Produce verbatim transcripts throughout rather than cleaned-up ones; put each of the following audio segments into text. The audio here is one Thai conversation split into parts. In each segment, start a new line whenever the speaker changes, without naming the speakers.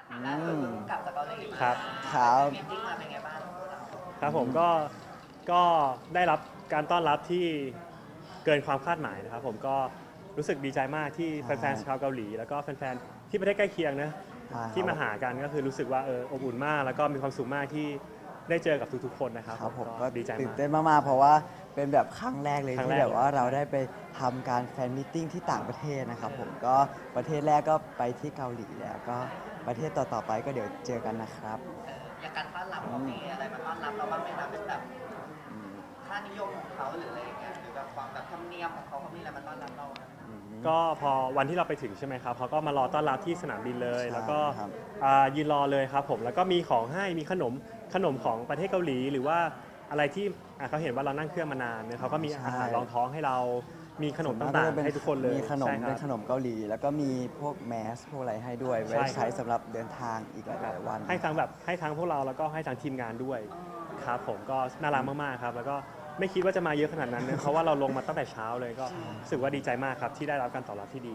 ล่าสุดเพิ่งกลับจากเกาหลีมา
ครับ
ครับ
มีติ้งมาเป็นไงบ้าง
ครับผมก็ก็ได้รับการต้อนรับที่เกินความคาดหมายนะครับผมก็รู้สึกดีใจมากที่แฟนๆชาวเกาหลีแล้วก็แฟนๆที่ประเทศใกล้เคียงนะ
ใช่ครับ
ที่มาหากันก็คือรู้สึกว่าเอออบอุ่นมาก แล้วก็มีความสุขมากที่ได้เจอกับทุกๆคนนะครับ
ครับผม
ก็
ก็
ดีใจ
ตื่น
มาก
เต้นมากๆเพราะว่าเป็นแบบครั้งแรกเลย
ครั้ง
ที่
แรก
แบบว่า
เลย
เราได้ไปทำการแฟนมิทติ้งที่ต่างประเทศนะครับผมก็ประเทศแรกก็ไปที่เกาหลีแล้วก็ประเทศต่อๆไปก็เดี๋ยวเจอกันนะครับ
เอออย่างการต้อนรับเขามีอะไรมาต้อนรับเราบ้างไหมคะเป็นแบบค่านิยมของเขาหรืออะไรอย่างเงี้ยหรือแบบความแบบธรรมเนียมของเขาเขามีอะไรมาต้อนรับเราไหม
ก็พอวันที่เราไปถึงใช่ไหมครับเขาก็มารอต้อนรับที่สนามบินเลย
ใช่
แล้วก็
ครับ
อ่ายืนรอเลยครับผมแล้วก็มีของให้มีขนมขนมของประเทศเกาหลี หรือว่าอะไรที่อ่ะเขาเห็นว่าเรานั่งเครื่องมานานเนี่ยเขาก็มีอาหารรองท้องให้เรามีขนม
ส่ว
ต่าง
จะ
ๆให้ทุกคนเลย
มีขนม
ใช่ค
เป็
รับ
นขนมเกาหลี แล้วก็มีพวกแมสพวกอะไรให้ด้วย
ใช่
ไว้
ครับ
ใช้สำหรับเดินทางอีกหลายๆวัน
ให้ทั้งแบบให้ทั้งพวกเราแล้วก็ให้ทั้งทีมงานด้วยครับผมก็น่ารักมากๆครับแล้วก็ไม่คิดว่าจะมาเยอะขนาดนั้นนะเพราะว่าเราลงมาตั้งแต่เช้าเลยก็รู้สึกว่าดีใจมากครับที่ได้รับการตอบรับที่ดี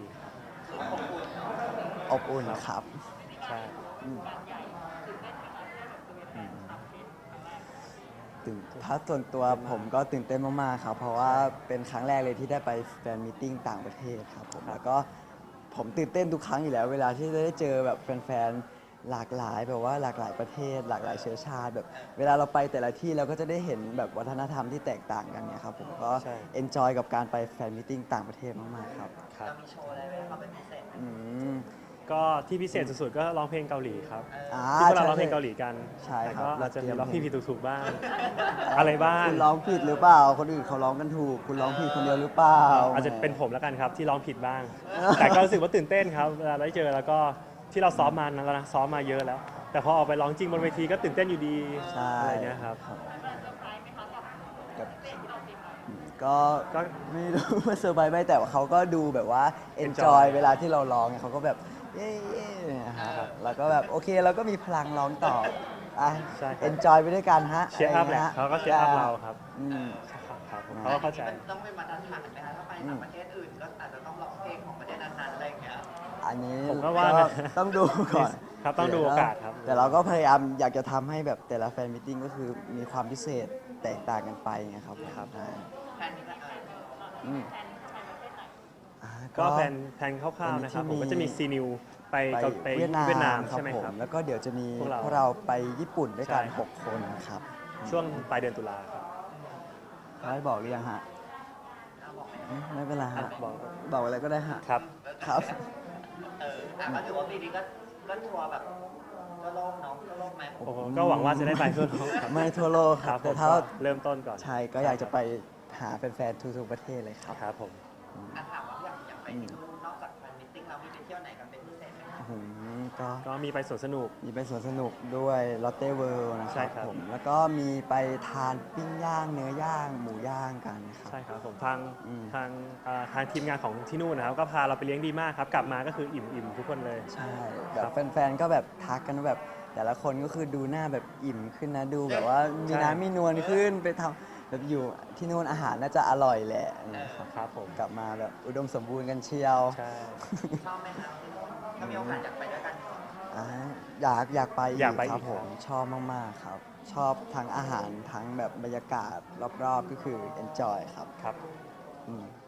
อบอุ่นครับ
ใช่
ตื่นถ้าส่วนตัวผมก็ตื่นเต้นมากๆครับ เพราะว่าเป็นครั้งแรกเลยที่ได้ไปแฟนมิทติ้งต่างประเทศครับผมแล้วก็ผมตื่นเต้นทุกครั้งอยู่แล้ว เวลาที่ได้เจอแบบแฟนๆหลากหลายแบบว่าหลากหลายประเทศ หลากหลายเชื้อชาติแบบเวลาเราไปแต่ละที่เราก็จะได้เห็นแบบวัฒนธรรมที่แตกต่างกันเนี่ยครับผมก็
ใช่
เอนจอยกับการไปแฟนมิทติ้งต่างประเทศมากๆครับ
ครับ
เรามีโชว์อะไรไหมเขาเป็นพิเศษไหม
อืม
ก็ที่พิเศษสุดๆก็ร้องเพลงเกาหลีครับ
อ่า
ที่พวกเราร้อง
ใช่
เพลงเกาหลีกัน
ใช่ครับ
แต่ก็อาจจะมีร้องผิด
เราเตรียม
ผิดถูกๆบ้าง อะไรบ้าง
คุณร้องผิดหรือเปล่า คนอื่นเขาร้องกันถูก คุณร้องผิดคนเดียวหรือเปล่า
อาจจะเป็นผมแล้วกันครับที่ร้องผิดบ้าง แต่ก็รู้สึกว่าตื่นเต้นครับเวลาได้เจอแล้วก็ที่เราซ้อมมานะแล้วนะซ้อมมาเยอะแล้ว แต่พอออกไปร้องจริงบนเวทีก็ตื่นเต้นอยู่ดี
ใช่
อะไรเงี้ยครับ
กับก็
ก็
ไม่รู้ ว่าเซอร์ไพรส์ไหมแต่ว่าเขาก็ดูแบบว่า
Enjoy
enjoy เวลาที่เราร้องเนี่ยเขาก็แบบเย้ๆเนี่ยฮะแล้วก็แบบโอเคเราก็มีพลังร้องต่ออ่ะ
ใช่ครับ
enjoy ไปด้วยกันฮะ
เชียร์อัพแหละ
ะไรงี้ย
เขาก็เชียร์อัพเราครับ
อืม
ครับผมเขาก็เข้าใจ
มันต้องเป็นมาตรฐานไหมคะถ้าไปต่างประเทศอื่นก็อาจจะต้องร้องเพลงของประเทศนั้นๆอะไรอย่างเงี้ย
อันนี้
ผมก็ว่านะ
ต้องดูก่อน
ครับต้องดูโอกาสครับ
แต่เราก็พยายามอยากจะทำให้แบบแต่ละแฟนมิทติ้งก็คือมีความพิเศษแตกต่างกันไปไงครับ
ครับ
ใช่
แทนนี้ก็เออ
อืมอ่า
ก็แผนแผนคร่าวๆนะครับผมก็จะมีซีนิวไป
ไป
เกาไป
เวียดนาม
เวียดนาม
ครับ
ใช่ไหม
ผ
ครับ
มแล้วก็เดี๋ยวจะมี
พวกเรา
พวกเราไปญี่ปุ่นด้วยกัน
ใช่ครับ
หกคนครับ
ช่วงปลายเดือนตุลาครับ
เขาให้บอกหรือยังฮะ
เอาบอกไหม
อืมไม่เป็นไร
อ่ะ
ฮะ
บอก
บอกอะไรก็ได้ฮะ
ครับ
ครับ
เอออ่ะก็ถือว่าปีนี้ก็ก็ทัวร์แบบทั่วโลกเนาะทั่วโลกไหม
โอ้โหก็หวังว่าจะได้ไปทั่วโลกครับ
ไม่ทั่วโลกค
ค
รั
รั
บบ
ผ
แต่
ม
ถ้า
ก็เริ่มต้นก่อน
ใช่ก็อยากจะไปหาแฟนๆทุกๆประเทศเลยครับ
ครับผม
อ่ะถามว่าอยากอยากไปที่นู่นนอกจากแฟนมิทติ้งเรามีไปเที่ยวไหนกันเป็นพิเศษไหมคะ
อืมก็
ก็มีไปสวนสนุก
มีไปสวนสนุกด้วยลอตเต้เวิลด์นะค
ใช่
รับ
ครับ
ผมแล้วก็มีไปทานปิ้งย่างเนื้อย่างหมูย่างกันนะครับ
ใช่ครับผมทาง
อืม
ทางอ่าทางทีมงานของที่นู่นนะครับก็พาเราไปเลี้ยงดีมากครับ กลับมาก็คืออิ่มอิ่มทุกคนเลย
ใช่แบ
ครับ บ
แฟนๆก็แบบทักกันว่าแบบแต่ละคนก็คือดูหน้าแบบอิ่มขึ้นนะดูแบบว่ามี
ใช่
น้ำมีนวลขึ้นไปทำแบบอยู่ที่นู่นอาหารน่าจะอร่อยแหละนะครับ
ครับผม
กลับมาแบบอุดมสมบูรณ์กันเชียว
ใช่
ชอบไหมคะที่นู่นถ้ามีโอกาสอยากไปด้วยกัน
อ่าอยากอยากไปอี
อยาก
ก
ไป
ครับ
อีก
ผมชอบมากๆครับ ชอบทั้งอาหารทั้งแบบบรรยากาศรอบๆก็คือ enjoy ครับ
ครับ
อืม